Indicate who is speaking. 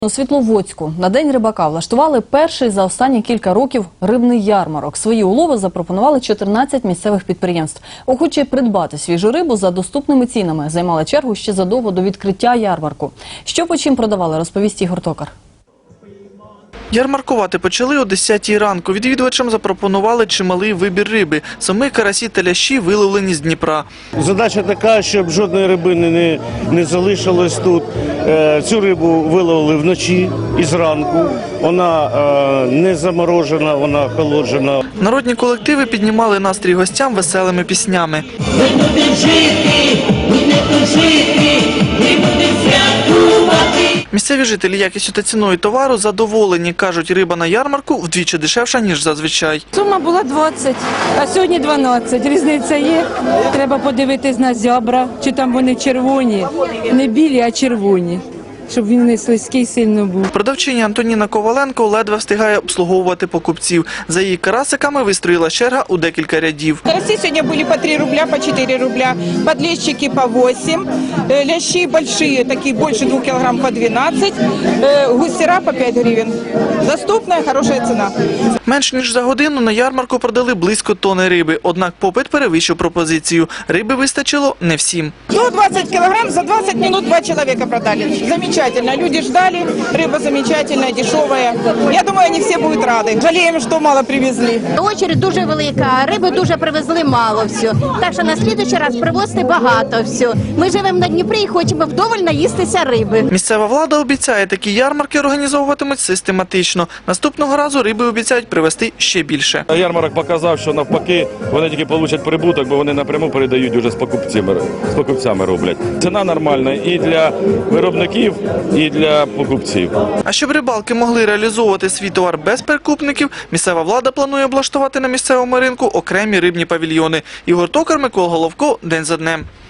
Speaker 1: У Світловодську на День рибака влаштували перший за останні кілька років рибний ярмарок. Свої улови запропонували 14 місцевих підприємств. Охочі придбати свіжу рибу за доступними цінами займали чергу ще задовго до відкриття ярмарку. Що по чим продавали, розповість Ігор Токар.
Speaker 2: Ярмаркувати почали о 10-й ранку. Відвідувачам запропонували чималий вибір риби. Саме карасі та лящі виловлені з Дніпра.
Speaker 3: Задача така, щоб жодної рибини не залишилось тут. Цю рибу виловили вночі і зранку. Вона не заморожена, вона охолоджена.
Speaker 2: Народні колективи піднімали настрій гостям веселими піснями. Місцеві жителі якістю та ціною товару задоволені. Кажуть, риба на ярмарку вдвічі дешевша, ніж зазвичай.
Speaker 4: Сума була 20, а сьогодні 12. Різниця є. Треба подивитись на зябра, чи там вони червоні. Не білі, а червоні. Щоб він не слизький сильно був.
Speaker 2: Продавчиня Антоніна Коваленко ледве встигає обслуговувати покупців. За її карасиками вистроїла черга у декілька рядів.
Speaker 5: Караси сегодня были по 3 рубля, по 4 рубля, подлещики по 8, лящи большие, такие больше 2 килограмм по 12, гусера по 5 гривен. Доступная, хорошая цена.
Speaker 2: Менш ніж за годину на ярмарку продали близько тони риби. Однак попит перевищив пропозицію. Риби вистачило не всім.
Speaker 5: До 20 килограмм за 20 минут 2 человека продали. Замечательно. Люди ждали, рыба замечательная, дешевая. Я думаю, они все будут рады. Жалеем, что мало привезли.
Speaker 6: Очередь дуже велика, а риби дуже привезли мало все. Так що на слідуючий раз привозити багато все. Ми живемо на Дніпрі і хочемо вдоволь наїстися риби.
Speaker 2: Місцева влада обіцяє, такі ярмарки організовуватимуть систематично. Наступного разу риби обіцяють привезти ще більше.
Speaker 7: Ярмарок показав, що навпаки вони тільки получать прибуток, бо вони напряму передають вже з покупцями роблять. Ціна нормальна і для виробників, і для покупців.
Speaker 2: А щоб рибалки могли реалізовувати свій товар без перекупників, місцева влада планує облаштувати на місцевому ринку окремі рибні павільйони. Ігор Токар, Микола Головко. День за днем.